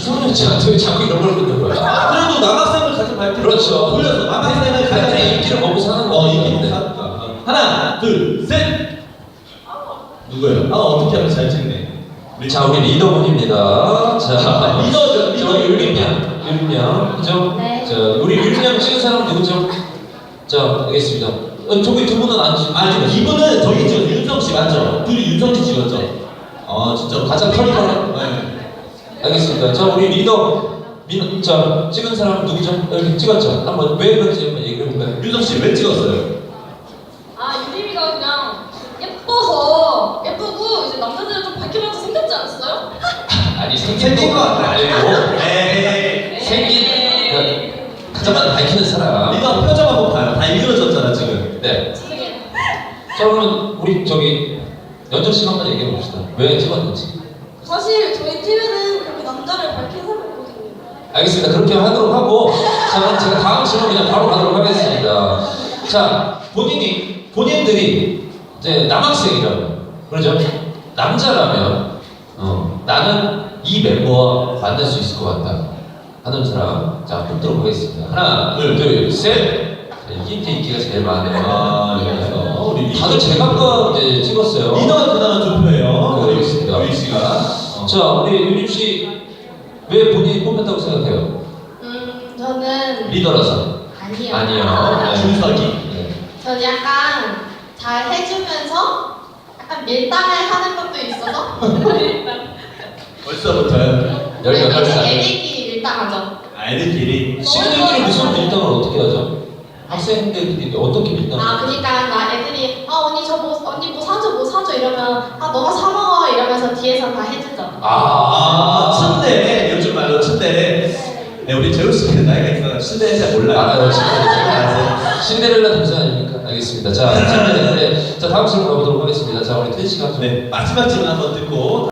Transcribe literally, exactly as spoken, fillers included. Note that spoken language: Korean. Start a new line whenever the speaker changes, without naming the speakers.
이상한 쟤한테 왜 자꾸 이런 걸 묻는 거야?
그래도 남학생을 가장 밝히는
그렇죠.
돌려서 남학생을 가장
가장 인기를 먹고 사는 거.
어, 인기 먹고 사는 거. 하나, 둘, 셋. 누구예요? 아, 어떻게 하면 잘 찍네.
자, 우리 리더분입니다. 자,
리더죠, 리더.
저 유림양, 유림양, 그죠?
네.
자, 우리 유림양 찍은 사람 누구죠? 자, 알겠습니다. 어, 저기 두 분은 안 찍.
아니, 이분은 저기 찍었죠. 윤성 씨 맞죠? 둘이 윤성 씨 찍었죠? 어, 진짜 가장 털털한. 네.
알겠습니다. 자, 우리 리더 민, 자 찍은 사람 누구죠? 여기 찍었죠? 한번 왜 그런지 한번 얘기해 볼까요?
윤성 씨 왜 찍었어요?
아 유림이가 그냥 예뻐서 예쁘고 이제 남자들은 좀 밝혀봐도 생겼지 않았어요?
아니 생긴
생긴
거
거
말고
에이.
생긴 그러니까 가장 많이 밝히는 사람.
리더 표정 한번 봐요. 다 읽어졌잖아 지금.
네.
죄송해요.
자 그러면 우리 저기 연정 씨가 한번 얘기해 봅시다. 왜 찍었는지.
사실 저희 팀에는 그렇게 남자를 밝히는 사람이 없거든요.
알겠습니다. 그렇게 하도록 하고 자 그럼 제가 다음 질문 그냥 바로 가도록 하겠습니다. 자 본인이 본인들이 이제 남학생이라면 그러죠? 남자라면 어, 나는 이 멤버와 만날 수 있을 것 같다 하는 사람 자 뽑도록 하겠습니다. 하나 둘셋 이게 이제 인기가 제일 많아요.
아, 그래서 우리 리더.
다들 제각각 이제 찍었어요.
리더가 그나마 투표예요.
네, 알겠습니다.
유희 씨가. 어.
자 우리 유림 씨 왜 본인이 뽑혔다고 생각해요?
음, 저는
리더라서.
아니요.
아니요. 네.
준석이.
네.
저는 약간 잘 해주면서 약간 밀당을 하는 것도 있어서
벌써부터요.
열여덟 살.
애들끼리 밀당하죠.
아이들끼리.
친구들끼리 무슨 밀당을 어떻게 하죠? 학생들끼리 어떻게 밀당을
아, 그러니까 나 애들이 아 언니 저 뭐 언니 뭐 사줘 뭐 사줘 이러면 아 너가 사 먹어 이러면서 뒤에서 다 해주죠.
아, 츤데. 요즘 말로 츤데. 네, 우리 재우 씨는 나이가 있어서 츤데 잘 몰라요.
알아요,
알아요.
신데렐라 동생 아닙니까? 알겠습니다. 자, 자, 자 다음 질문 가보도록 하겠습니다. 자, 우리 태희 씨가 좀
네, 마지막 질문 한번 듣고.